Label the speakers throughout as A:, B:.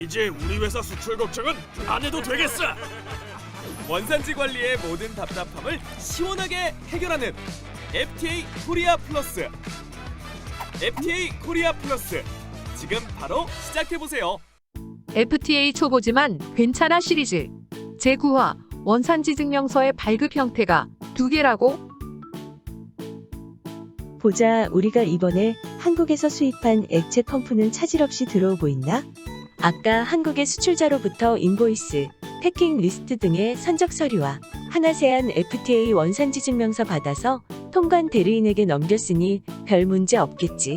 A: 이제 우리 회사 수출 걱정은 안 해도 되겠어.
B: 원산지 관리의 모든 답답함을 시원하게 해결하는 FTA 코리아 플러스. FTA 코리아 플러스. 지금 바로 시작해보세요.
C: FTA 초보지만 괜찮아 시리즈. 제9화 원산지 증명서의 발급 형태가 2개라고?
D: 보자, 우리가 이번에 한국에서 수입한 액체 펌프는 차질 없이 들어오고 있나? 아까 한국의 수출자로부터 인보이스, 패킹 리스트 등의 선적 서류와 하나세안 FTA 원산지 증명서 받아서 통관 대리인에게 넘겼으니 별 문제 없겠지.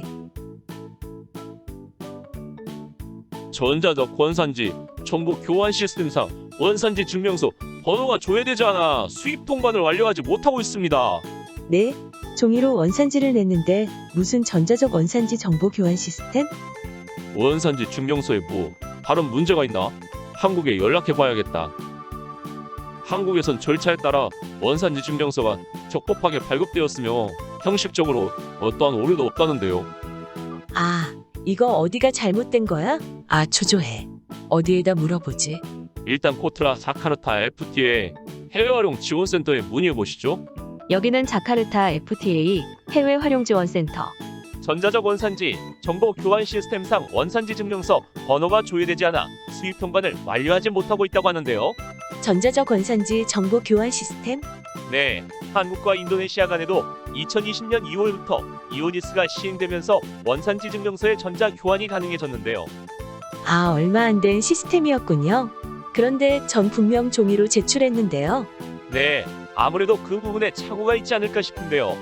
E: 전자적 원산지 정보 교환 시스템상 원산지 증명서 번호가 조회되지 않아 수입 통관을 완료하지 못하고 있습니다.
D: 네, 종이로 원산지를 냈는데 무슨 전자적 원산지 정보 교환 시스템?
E: 원산지 증명서에 뭐 다른 문제가 있나? 한국에 연락해봐야겠다. 한국에선 절차에 따라 원산지 증명서가 적법하게 발급되었으며 형식적으로 어떠한 오류도 없다는데요.
D: 아, 이거 어디가 잘못된 거야? 아, 초조해. 어디에다 물어보지?
E: 일단 코트라 자카르타 FTA 해외활용 지원센터에 문의해보시죠.
F: 여기는 자카르타 FTA 해외 활용 지원 센터.
E: 전자적 원산지 정보 교환 시스템상 원산지 증명서 번호가 조회되지 않아 수입 통관을 완료하지 못하고 있다고 하는데요.
D: 전자적 원산지 정보 교환 시스템?
E: 네, 한국과 인도네시아 간에도 2020년 2월부터 이오니스가 시행되면서 원산지 증명서의 전자 교환이 가능해졌는데요.
D: 아, 얼마 안 된 시스템이었군요. 그런데 전 분명 종이로 제출했는데요.
E: 네, 아무래도 그 부분에 착오가 있지 않을까 싶은데요.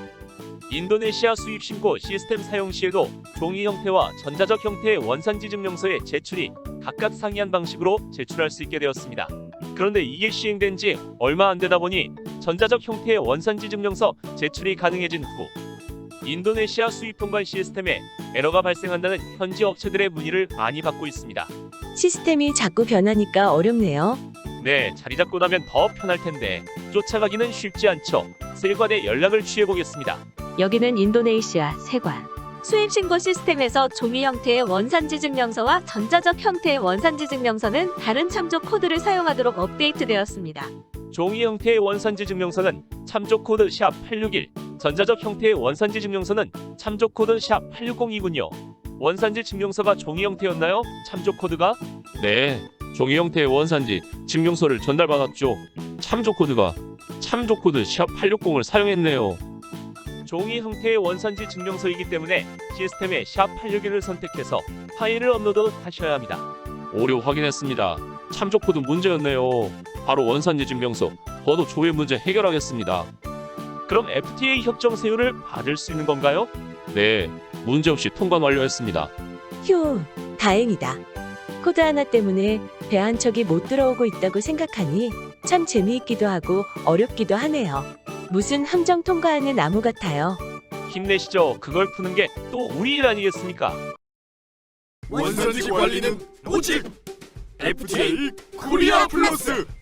E: 인도네시아 수입 신고 시스템 사용 시에도 종이 형태와 전자적 형태의 원산지 증명서의 제출이 각각 상이한 방식으로 제출할 수 있게 되었습니다. 그런데 이게 시행된 지 얼마 안 되다 보니 전자적 형태의 원산지 증명서 제출이 가능해진 후 인도네시아 수입 통관 시스템에 에러가 발생한다는 현지 업체들의 문의를 많이 받고 있습니다.
D: 시스템이 자꾸 변하니까 어렵네요.
E: 네, 자리 잡고 나면 더 편할 텐데 쫓아가기는 쉽지 않죠. 세관에 연락을 취해보겠습니다.
F: 여기는 인도네시아 세관. 수입 신고 시스템에서 종이 형태의 원산지 증명서와 전자적 형태의 원산지 증명서는 다른 참조 코드를 사용하도록 업데이트되었습니다.
E: 종이 형태의 원산지 증명서는 참조 코드 #861, 전자적 형태의 원산지 증명서는 참조 코드 #860이군요. 원산지 증명서가 종이 형태였나요? 참조 코드가? 네, 종이 형태의 원산지 증명서를 전달받았죠. 참조 코드가 참조 코드 #860을 사용했네요. 종이 형태의 원산지 증명서이기 때문에 시스템에 #861을 선택해서 파일을 업로드하셔야 합니다. 오류 확인했습니다. 참조 코드 문제였네요. 바로 원산지 증명서 번호 조회 문제 해결하겠습니다. 그럼 FTA 협정 세율을 받을 수 있는 건가요? 네, 문제없이 통관 완료했습니다.
D: 휴, 다행이다. 코드 하나 때문에 배 한 척이 못 들어오고 있다고 생각하니 참 재미있기도 하고 어렵기도 하네요. 무슨 함정 통과하는 나무 같아요.
E: 힘내시죠. 그걸 푸는 게 또 우리 일 아니겠습니까?
A: 원산지 관리는 오직 FTA 코리아 플러스.